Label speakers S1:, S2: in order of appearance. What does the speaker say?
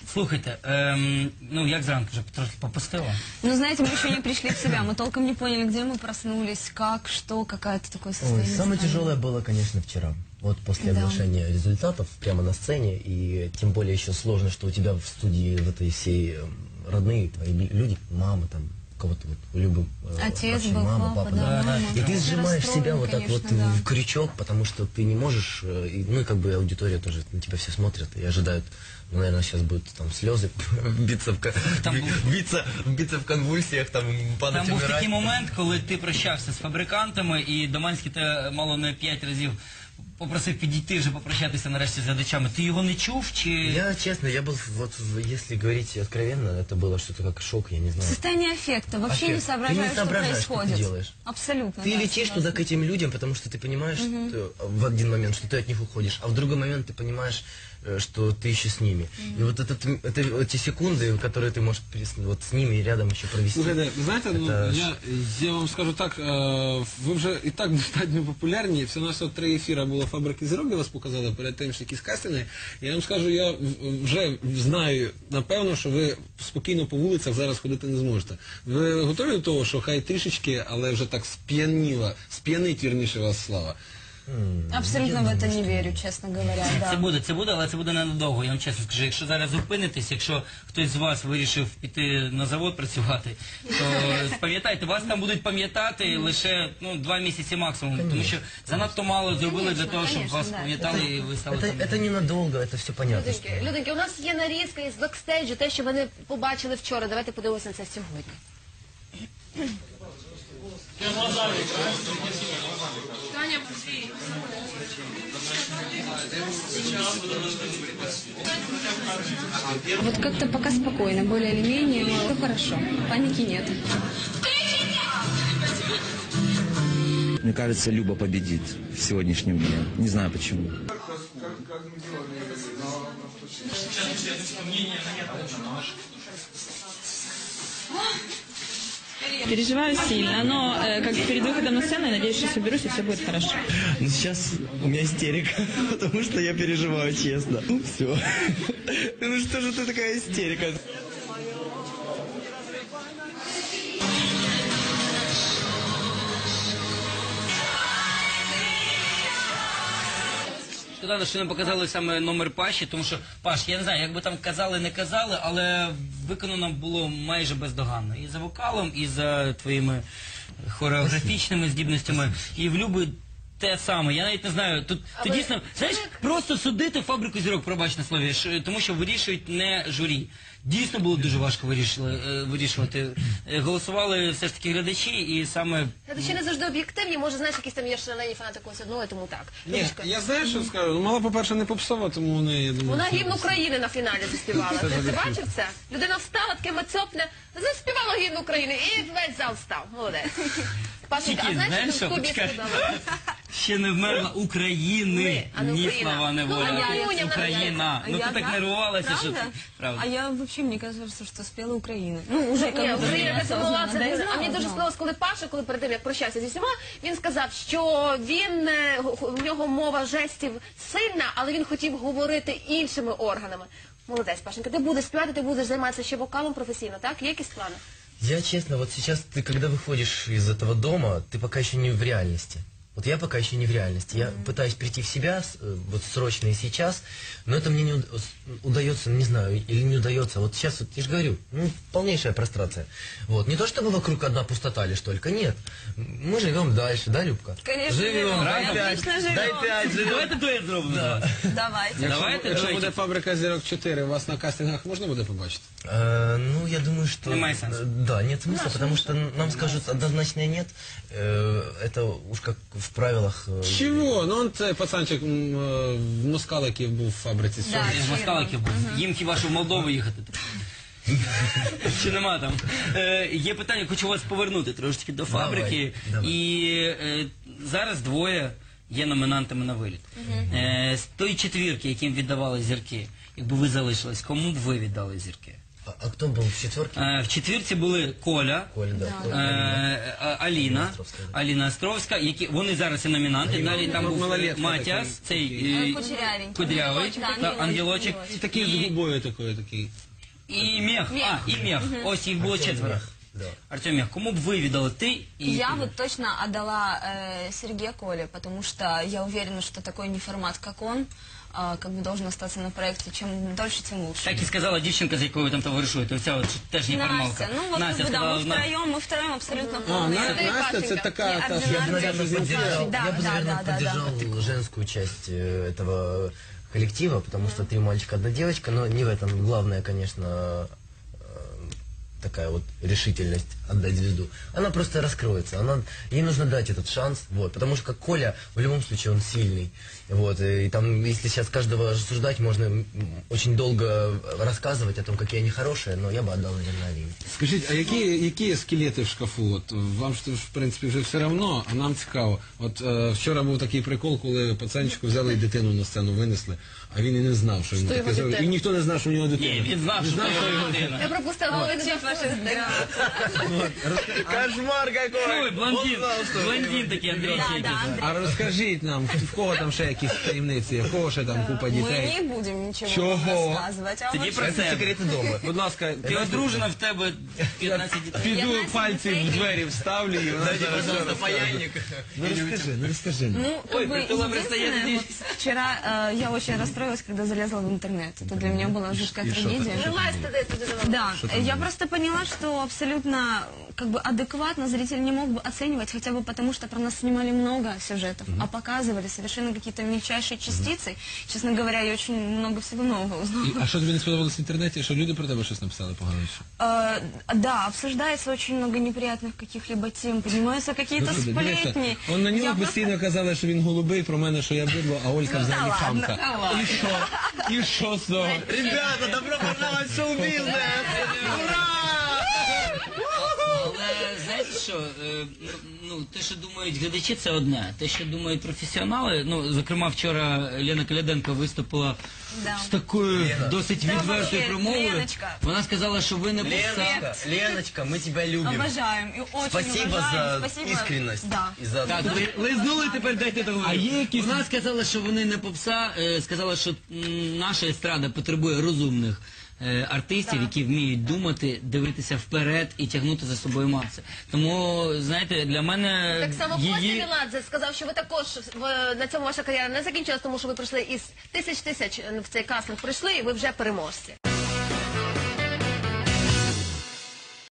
S1: Слухайте, ну як зранку вже трохи попустило?
S2: Ну, знаете, мы еще не пришли в себя, мы толком не поняли, где мы проснулись, как, что, какое-то такое состояние.
S3: Ой, самое тяжелое было, конечно, вчера. Вот после оглашения результатов прямо на сцене, и тем более еще сложно, что у тебя в студии в этой всей родные твои люди, мама там, кого-то вот любым,
S2: Отец
S3: вообще,
S2: был,
S3: мама, папа, да.
S2: мама.
S3: И ты сжимаешь себя вот так
S2: конечно,
S3: вот
S2: да.
S3: в крючок, потому что ты не можешь, ну и как бы аудитория тоже на тебя все смотрят и ожидают, ну, наверное, сейчас будут там слезы биться в конвульсіях, там падать,
S1: Там був
S3: умирать.
S1: такий момент, коли ти прощався з фабрикантами, і Доманський те мало не 5 разів попросив підійти вже попрощатися нарешті з глядачами. Ти його не чув, чи...
S3: Я, честно, я был, вот, если говорить откровенно, это было что-то как шок, я не знаю.
S2: Состояние аффекта, вообще не
S3: Аффект.
S2: соображаешь,
S3: Ты не соображаешь,
S2: что
S3: что ты
S2: происходит.
S3: делаешь.
S2: Абсолютно.
S3: Ты
S2: да,
S3: летишь
S2: согласна.
S3: туда к этим людям, потому что ты понимаешь что, в один момент, что ты от них уходишь, а в другой момент ты понимаешь, что ты еще с ними. И вот эти секунды, которые ты можешь вот с ними рядом еще провести.
S4: Слухайте, знаєте,
S3: это...
S4: я вам скажу так, ви вже і так достатньо популярні, все на все 3 ефіри було «Фабрики зірок», де вас показали перед тим, що якісь кастинги. Я вам скажу, я вже знаю, напевно, що ви спокійно по вулицях зараз ходити не зможете. Ви готові до того, що хай трішечки, але вже так сп'янить, вірніше, вас слава?
S2: Абсолютно в это не верю, честно говоря. Да.
S1: Це буде, але це буде ненадовго. Я вам чесно скажу, якщо зараз зупинитесь, якщо хтось з вас вирішив піти на завод працювати, то пам'ятайте, вас там будуть пам'ятати лише 2 місяці максимум, тому що занадто мало зробили для того, щоб вас пам'ятали і ви стали там.
S3: Это ненадолго, это все понятно.
S5: Люденьки, у нас є нарізка із бекстейджу, те, що ви не побачили вчора. Давайте подивимося на це сьогодні.
S2: Вот как-то пока спокойно, более или менее, все хорошо, паники нет.
S6: Мне кажется, Люба победит в сегодняшнем дне. Не знаю почему.
S7: Переживаю сильно, но как перед выходом на сцену, я надеюсь, что соберусь и все будет хорошо.
S6: Но сейчас у меня истерика, потому что я переживаю, честно. Ну все. Ну что же ты такая истерика?
S1: Шкода, що не показали саме номер Паші, тому що, Паш, я не знаю, як би там казали, не казали, але виконано було майже бездоганно. І за вокалом, і за твоїми хореографічними здібностями, і в Люби те саме. Я навіть не знаю, тут дійсно, знаєш, просто судити «Фабрику зірок», пробач на слові, тому що вирішують не журі. Дійсно було дуже важко вирішувати. Голосували все ж таки глядачі, і саме...
S5: Глядачі не завжди об'єктивні, може, знаєш, якісь там є шалені фанати когось одного, і тому так.
S4: Ні, я знаю, що скажу. Ну, мала, по-перше, не попсова, тому вони, я думаю...
S5: Вона гімн України на фіналі заспівала. Ти бачив це? Людина встала, таке мацьопне, заспівала гімн України, і весь зал встав. Молодець. Пашенька, а знаєш, що тобі сподобалося?
S1: Ще не вмерла України, ні слава, не воля. Україна. Ну ти так нервувалася, що це правда.
S2: А я вообще, мне кажется, что спела Украина. Ну, уже как
S5: Ні,
S2: бы
S5: Україна це була,
S2: осознанно, да, я
S5: а
S2: знала,
S5: мені дуже
S2: знала.
S5: сподобалось, коли Паша, коли перед тим, як прощався зі всіма, він сказав, що він, в нього мова жестів сильна, але він хотів говорити іншими органами. Молодець, Пашенька, ти будеш співати, ти будеш займатися ще вокалом професійно, так? Є якісь плани?
S3: Я, честно, вот сейчас ты, когда выходишь из этого дома, ты пока еще не в реальности. Вот я пока еще не в реальности. Я пытаюсь прийти в себя, вот срочно и сейчас, но это мне не удается, не знаю, или не удается. Вот сейчас, вот, я же говорю, ну, полнейшая прострация. Вот. Не то, чтобы вокруг одна пустота лишь только, нет. Мы живем дальше, да, Любка?
S2: Конечно, живем. Отлично живем.
S3: Дай 5, живем.
S1: Давайте дует зробимо. Да.
S2: Давайте.
S4: Якщо буде «Фабрика зірок 4», вас на кастингах можна буде побачити?
S3: Ну, я думаю, что...
S1: Немає сенсу.
S3: Да, нет смысла, потому что нам скажут однозначное нет. Это уж как в правилах...
S4: Чого? Ну, он цей пацанчик в Москалики був в «Фабриці зірок».
S1: З Москаликів був. Їм хіба що в Молдову їхати. Чи нема там? Є питання, хочу вас повернути трошки до «Фабрики».
S3: Давай.
S1: І зараз двоє є номінантами на виліт. З тої четвірки, яким віддавали зірки, якби ви залишились, кому б ви віддали зірки?
S3: А кто был в четверке?
S1: В четвірці були Коля,
S3: Коля, да.
S1: Аліна,
S3: Островська, да.
S1: Аліна Островська, які вони зараз і номінанти. Далі там був
S4: малолетка
S1: Матіас, цей
S2: Кудрявенький.
S1: кудрявий,
S2: Ангелочек,
S1: та, ангелочек.
S4: І такий з губою такий.
S1: І Мех. І Мех. Ось їх було четверо.
S3: Да.
S1: Артем Мех, кому б ви віддали ти і
S2: Я вот точно отдала Сергею Коле, потому что я уверена, что такой не формат, как он, как бы должен остаться на проекте. Чем дольше, тем лучше.
S1: так і сказала дівчинка, з якою ви там товаришуєте. Оця от теж неформалка.
S2: Настя, ну вот
S1: Настя
S2: как бы, да,
S1: сказала,
S2: мы втроем абсолютно
S4: А,
S2: полные.
S4: Настя це така, та, що
S3: Я бы, наверное, поддержал,
S2: Да,
S3: я бы,
S2: да,
S3: наверное,
S2: да, да,
S3: поддержал женскую часть этого коллектива, потому что 3 мальчика, 1 девочка, но не в этом главное, конечно, такая вот решительность отдать звезду. Она просто раскроется, ей нужно дать этот шанс, вот, потому что как Коля, в любом случае он сильный, вот, и там, если сейчас каждого рассуждать, можно очень долго рассказывать о том, какие они хорошие, но я бы отдал, наверное, Алине.
S4: Скажіть, а які є скелети в шкафу? От вам ж в принципі вже все одно, а нам цікаво. От вчора був такий прикол, коли пацанчику взяли і дитину на сцену винесли, а він і не знав, що йому таке зробили. І ніхто не знав, що у нього дитина.
S1: ні, він знав, що це його дитина.
S5: Я пропустила, але не
S3: Кошмар какой!
S1: Ой, блондин такий, Андрій Чекін.
S4: А розкажіть нам, в кого там ще якісь таємниці, в кого ще там купа
S2: Мы
S4: дітей?
S2: не будем ничего
S4: Чего?
S2: рассказывать. А
S1: Тоді
S2: вот
S1: про
S3: Это
S1: себе.
S3: секреты дома.
S4: Будь ласка,
S1: Ти одружена, в тебе 15 дітей.
S4: піду пальці в двері вставлю і вона
S3: Дайте,
S4: зараз
S3: пожалуйста,
S4: все розкаже.
S3: паяльник.
S4: Ну розкажи.
S2: Ну,
S1: Ой,
S2: как бы
S1: притула предстоит
S2: единственное,
S1: здесь.
S2: вот вчера я очень расстроилась, когда залезла в интернет. Это для меня была жуткая трагедия.
S5: Желаю туди задавати.
S2: Да, я просто поняла, что абсолютно как бы адекватно зритель не мог бы оценивать, хотя бы потому, что про нас снимали много сюжетов, а показывали совершенно какие-то мельчайшие частицы. Честно говоря, я очень много всего нового узнала.
S4: А що тобі не сподобалось в інтернеті? Що люди про тебе щось написали погано?
S2: Да, обсуждается очень много неприятных каких-либо тем, поднимаются какие-то сплетни.
S4: Он на
S2: Я
S4: нього
S2: просто-
S4: постійно казали, що він голубий, про мене, що я бидло, а Олька взагалі
S2: ладно.
S4: хамка. І що? І що з того?
S3: Ребята, добро пожаловать в шоу-бизнес! Ура!
S1: Але знаєте що, ну, те, що думають глядачі, це одне. Те, що думають професіонали, ну, зокрема, вчора Лена Коляденко виступила
S2: Да.
S1: з такою досить відвертою промовою.
S2: Леночка.
S1: Вона сказала, що ви не
S3: Леночка, Леночка, мы тебя любим.
S2: Обожаем и очень
S3: Спасибо
S2: уважаем.
S3: за
S2: Спасибо.
S3: искренность.
S2: Да.
S3: И за...
S1: Так, лизнули, тепер дайте договорити.
S4: А є якісь-
S1: Вона сказала, що вони не попса, сказала, що наша естрада потребує розумних артистів, які вміють думати, дивитися вперед і тягнути за собою маси. Тому, знаєте, для мене
S5: Так само Костя
S1: її...
S5: Меладзе сказав, що ви також на цьому ваша кар'єра не закінчилась, тому що ви прийшли із тисяч в цей кастинг прийшли, і ви вже переможці.